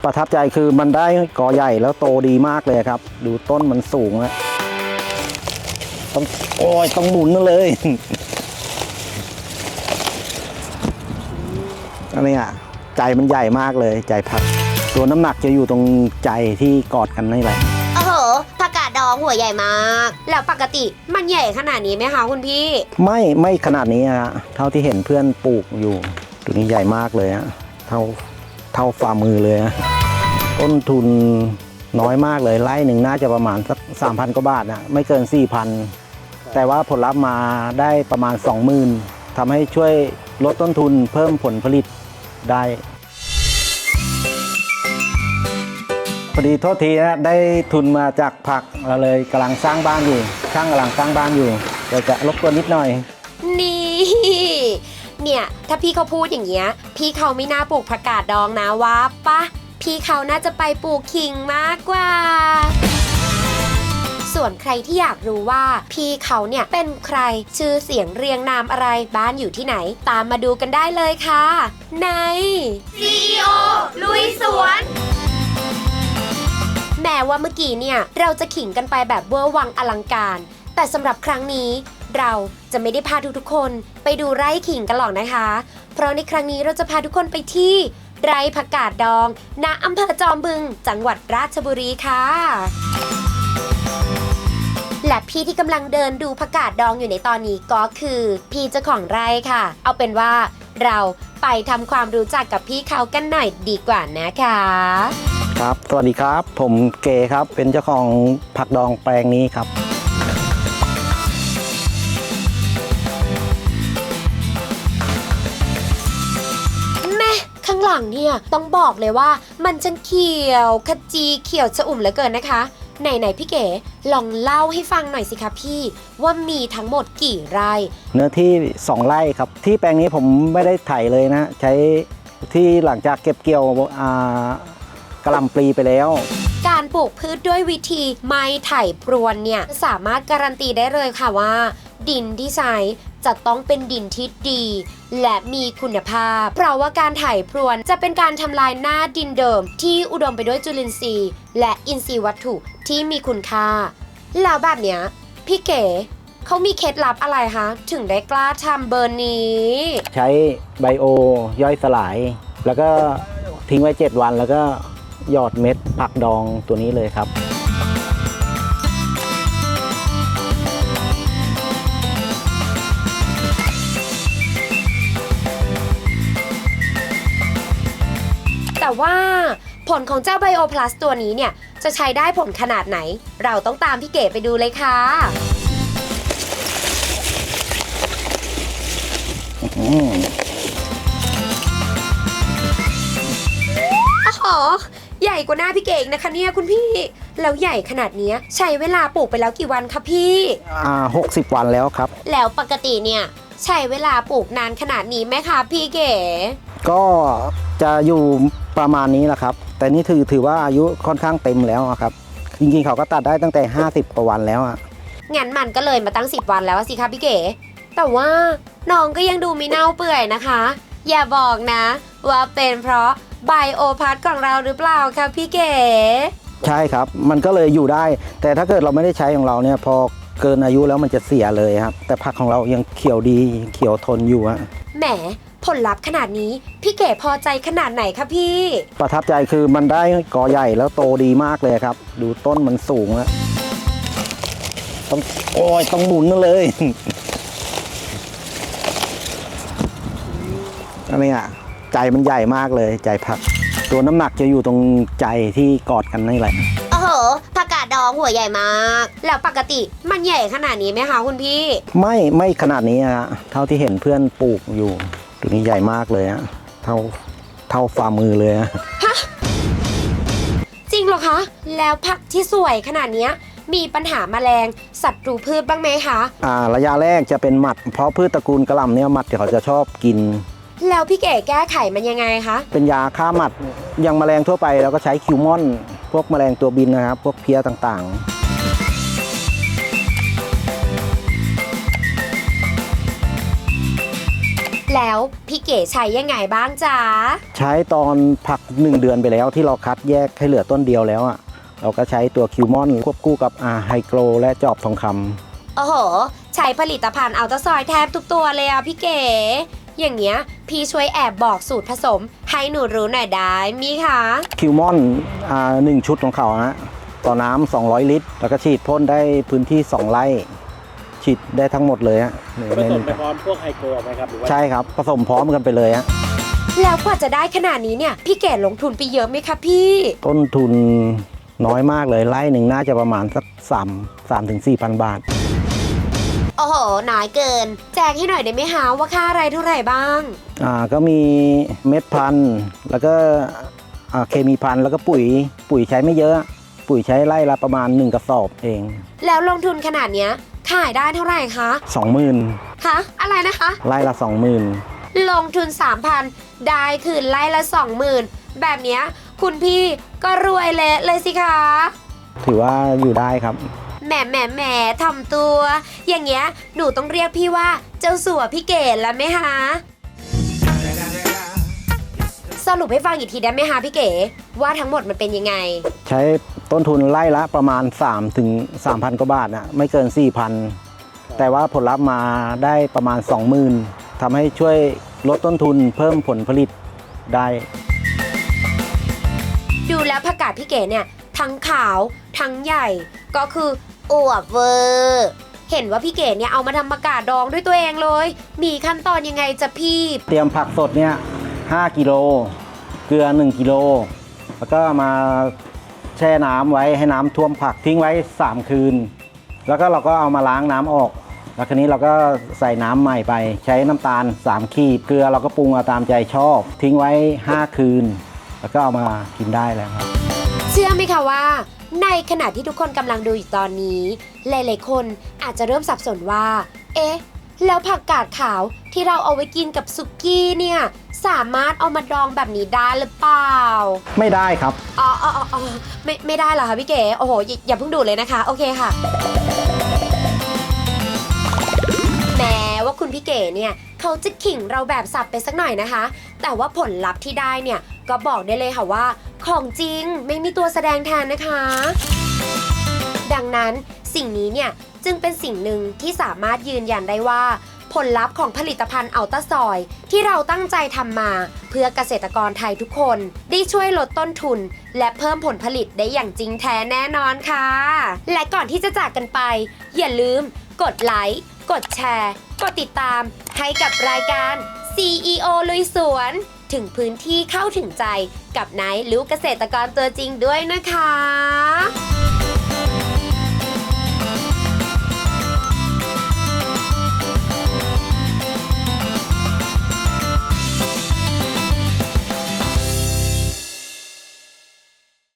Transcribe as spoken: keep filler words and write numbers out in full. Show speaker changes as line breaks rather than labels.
ประทับใจคือมันได้กอใหญ่แล้วโตดีมากเลยครับดูต้นมันสูงนะต้องโอ้ยต้องหมุนเลยอันนี้อ่ะใจมันใหญ่มากเลยใจผักตัวน้ำหนักจะอยู่ตรงใจที่กอดกันนี่แหละ
โอ้โหผักกาดดองหัวใหญ่มากแล้วปกติมันใหญ่ขนาดนี้ไหมคะคุณพี่
ไม่ไม่ขนาดนี้ฮะเท่าที่เห็นเพื่อนปลูกอยู่ตัวนี้ใหญ่มากเลยฮะเท่าเท่าฝ่ามือเลยฮะต้นทุนน้อยมากเลยไร่หนึ่งน่าจะประมาณสักสามพันกว่าบาทนะไม่เกินสี่พันแต่ว่าผลลัพธ์มาได้ประมาณสองหมื่นทำให้ช่วยลดต้นทุนเพิ่มผลผลิตได้พอดีโทษทีนะได้ทุนมาจากผักเราเลยกำลังสร้างบ้านอยู่ช่างกำลังสร้างบ้านอยู่เดี๋ยวจะรบกวนนิดหน่อย
นี่เนี่ยถ้าพี่เขาพูดอย่างเงี้ยพี่เขาไม่น่าปลูกผักกาดดองนะวะปะพี่เขาน่าจะไปปลูกขิงมากกว่าส่วนใครที่อยากรู้ว่าพี่เขาเนี่ยเป็นใครชื่อเสียงเรียงนามอะไรบ้านอยู่ที่ไหนตามมาดูกันได้เลยค่ะใน ซี อี โอ ลุยสวนแม้ว่าเมื่อกี้เนี่ยเราจะขิงกันไปแบบเวอร์วังอลังการแต่สำหรับครั้งนี้เราจะไม่ได้พาทุกๆคนไปดูไร่ขิงกันหรอกนะคะเพราะในครั้งนี้เราจะพาทุกคนไปที่ไร่ผักกาดดองณอำเภอจอมบึงจังหวัดราชบุรีค่ะและพี่ที่กำลังเดินดูผักกาดดองอยู่ในตอนนี้ก็คือพี่เจ้าของไร่ค่ะเอาเป็นว่าเราไปทำความรู้จักกับพี่เขากันหน่อยดีกว่านะคะ
ครับสวัสดีครับผมเก๋ครับเป็นเจ้าของผักดองแปลงนี้ครับ
แม่ข้างหลังเนี่ยต้องบอกเลยว่ามันช่างเขียวขจีเขียวชอุ่มเหลือเกินนะคะไหนๆพี่เก๋ลองเล่าให้ฟังหน่อยสิคะพี่ว่ามีทั้งหมดกี่ไร่
เนื้อที่สองไร่ครับที่แปลงนี้ผมไม่ได้ไถเลยนะใช้ที่หลังจากเก็บเกี่ยวอ่ากระหล่ำปลีไปแล้ว
การปลูกพืชด้วยวิธีไม้ไถพรวนเนี่ยสามารถการันตีได้เลยค่ะว่าดินที่ใช้จะต้องเป็นดินที่ดีและมีคุณภาพเพราะว่าการไถพรวนจะเป็นการทำลายหน้าดินเดิมที่อุดมไปด้วยจุลินทรีย์และอินทรีย์วัตถุที่มีคุณค่าแล้วแบบเนี้ยพี่เก๋เขามีเคล็ดลับอะไรคะถึงได้กล้าทำเบอร์นี้
ใช้ไบโอย่อยสลายแล้วก็ทิ้งไว้เจ็ดวันแล้วก็หยอดเม็ดผักดองตัวนี้เลยครับ
แต่ว่าผลของเจ้าไบโอพลัสตัวนี้เนี่ยจะใช้ได้ผลขนาดไหนเราต้องตามพี่เก๋ไปดูเลยค่ะอ๋อใหญ่กว่าหน้าพี่เก๋นะคะเนี่ยคุณพี่แล้วใหญ่ขนาดนี้ใช้เวลาปลูกไปแล้วกี่วันคะพี่
อ่าหกสิบวันแล้วครับ
แล้วปกติเนี่ยใช้เวลาปลูกนานขนาดนี้ไหมคะพี่เก๋
ก็จะอยู่ประมาณนี้แหละครับแต่นี่ถือถือว่าอายุค่อนข้างเต็มแล้วครับจริงๆเขาก็ตัดได้ตั้งแต่ห้าสิบกว่าวันแล้วอ่ะ
งั้นมันก็เลยมาตั้งสิบวันแล้วสิคะพี่เก๋แต่ว่าน้องก็ยังดูมีเน่าเปื่อยนะคะอย่าบอกนะว่าเป็นเพราะไบโอพัทของเราหรือเปล่าคะพี่เก๋
ใช่ครับมันก็เลยอยู่ได้แต่ถ้าเกิดเราไม่ได้ใช้ของเราเนี่ยพอเกินอายุแล้วมันจะเสียเลยครับแต่ผักของเรายังเขียวดีเขียวทนอยู่อะ
แหมผลลัพธ์ขนาดนี้พี่เก๋พอใจขนาดไหนคะพี่
ประทับใจคือมันได้กอใหญ่แล้วโตดีมากเลยครับดูต้นมันสูงแล้วต้องโอ้ยต้องหมุนเลยอันนี้อ่ะใจมันใหญ่มากเลยใจผักตัวน้ำหนักจะอยู่ตรงใจที่กอดกันนี่แหละ
โอ้โหผักกาดดองหัวใหญ่มากแล้วปกติมันใหญ่ขนาดนี้ไหมคะคุณพี่
ไม่ไม่ขนาดนี้ฮะเท่าที่เห็นเพื่อนปลูกอยู่ตัวนี้ใหญ่มากเลยฮะเท่าเท่าฝ่ามือเลยฮะ
จริงเหรอคะแล้วผักที่สวยขนาดนี้มีปัญหาแมลงศัตรูพืชบ้างไหมคะ
อ่าระยะแรกจะเป็นหมัดเพราะพืชตระกูลกระหล่ำเนี่ยหมัดเขาจะชอบกิน
แล้วพี่เก๋แก้ไขมันยังไงคะ
เป็นยาฆ่าหมัดอย่างแมลงทั่วไปเราก็ใช้คิวมอนพวกแมลงตัวบินนะครับพวกเพี้ยต่างๆ
แล้วพี่เก๋ใช้ยังไงบ้างจ๊ะ
ใช้ตอนผักหนึ่งเดือนไปแล้วที่เราคัดแยกให้เหลือต้นเดียวแล้วอ่ะเราก็ใช้ตัวคิวมอนควบคู่กับอาไฮโกรและจอบทองคำ
โอ้โห ใช้ผลิตภัณฑ์อัลตราซอยด์แทบทุกตัวเลยอะพี่เก๋ อย่างเงี้ยพี่ช่วยแอบบอกสูตรผสมให้หนูรู้หน่อยได้มีคะ
คิวมอนอ่าหนึ่งชุดของเขานะต่อน้ำสองร้อยลิตร แล้วก็ฉีดพ่นได้พื้นที่สองไร่ฉีดได้ทั้งหมดเลยฮะ
ผสมไปพร้อมพวกไฮโกรไหมครับหรือว่า
ใช่ครับผสมพร้อมกันไปเลยฮะ
แล้วกว่าจะได้ขนาดนี้เนี่ยพี่เก๋ลงทุนไปเยอะไหมคะพี่
ต้นทุนน้อยมากเลยไร่หนึ่งน่าจะประมาณสักสามสามถึงสี่พันบาท
โอ้โหน้อยเกิน แจ้งให้หน่อยได้ไหมคะว่าค่าอะไรเท่าไหร่บ้าง
อ่าก็มีเม็ดพันธุ์แล้วก็อ่าเคมีพันธุ์แล้วก็ปุ๋ยปุ๋ยใช้ไม่เยอะ ปุ๋ยใช้ไร่ละประมาณหนึ่งกระสอบเอง
แล้วลงทุนขนาดเนี้ยขายได้เท่าไหร่คะ
สองหมื่น
คะอะไรนะคะ
ไร่ละสองหมื่น
ลงทุน สามพัน ได้คืนไล่ละ สองหมื่น แบบเนี้ยคุณพี่ก็รวยเละเลยสิคะ
ถือว่าอยู่ได้ครับ
แหมแหมแหมทำตัว อย่างเงี้ยหนูต้องเรียกพี่ว่าเจ้าสัวพี่เก๋แล้วไหมคะสรุปให้ฟังอีกทีได้ไหมคะพี่เก๋ว่าทั้งหมดมันเป็นยังไง
ใช้ต้นทุนไร่ละประมาณ3ถึงสามพันกว่าบาทนะไม่เกิน สี่พัน แต่ว่าผลลัพธ์มาได้ประมาณ สองหมื่น ทำให้ช่วยลดต้นทุนเพิ่มผลผลิตได้
ดูแล้วผักกาดพี่เก๋เนี่ยทั้งขาวทั้งใหญ่ก็คืออวบเวอร์เห็นว่าพี่เก๋เนี่ยเอามาทำผักกาดดองด้วยตัวเองเลย มีขั้นตอนยังไงจ๊ะพี่
เตรียมผักสดเนี่ยห้ากิโลเกลือหนึ่งกิโลแล้วก็มาแช่น้ำไว้ให้น้ำท่วมผักทิ้งไว้สามคืนแล้วก็เราก็เอามาล้างน้ำออกแล้วคราวนี้เราก็ใส่น้ำใหม่ไปใช้น้ำตาลสามขีดเกลือเราก็ปรุงเอาตามใจชอบ ทิ้งไว้ห้าคืนแล้วก็เอามากินได้แล้วครับ
เชื่อไหมคะว่าในขณะที่ทุกคนกำลังดูอยู่ตอนนี้หลายๆคนอาจจะเริ่มสับสนว่า เอ๊ะ แล้วผักกาดขาวที่เราเอาไว้กินกับสุกี้เนี่ยสามารถเอามาดองแบบนี้ได้หรือเปล่า
ไม่ได้ครับ
อ๋ออ๋ออ๋อไม่ไม่ได้เหรอคะพี่เก๋โอ้โหอย่าอย่าเพิ่งดูดเลยนะคะโอเคค่ะแม้ว่าคุณพี่เก๋เนี่ยเขาจะขิงเราแบบสับไปสักหน่อยนะคะ แต่ว่าผลลัพธ์ที่ได้เนี่ยก็บอกได้เลยค่ะว่าของจริงไม่มีตัวแสดงแทนนะคะ ดังนั้นสิ่งนี้เนี่ยจึงเป็นสิ่งหนึ่งที่สามารถยืนยันได้ว่าผลลัพธ์ของผลิตภัณฑ์อัลตราซอยด์ที่เราตั้งใจทำมาเพื่อเกษตรกรไทยทุกคนได้ช่วยลดต้นทุนและเพิ่มผลผลิตได้อย่างจริงแท้แน่นอนค่ะและก่อนที่จะจากกันไปอย่าลืมกดไลค์กดแชร์กดติดตามให้กับรายการ ซี อี โอ ลุยสวนถึงพื้นที่เข้าถึงใจกับนายลูกเกษตรกรตัวจริงด้วยนะคะ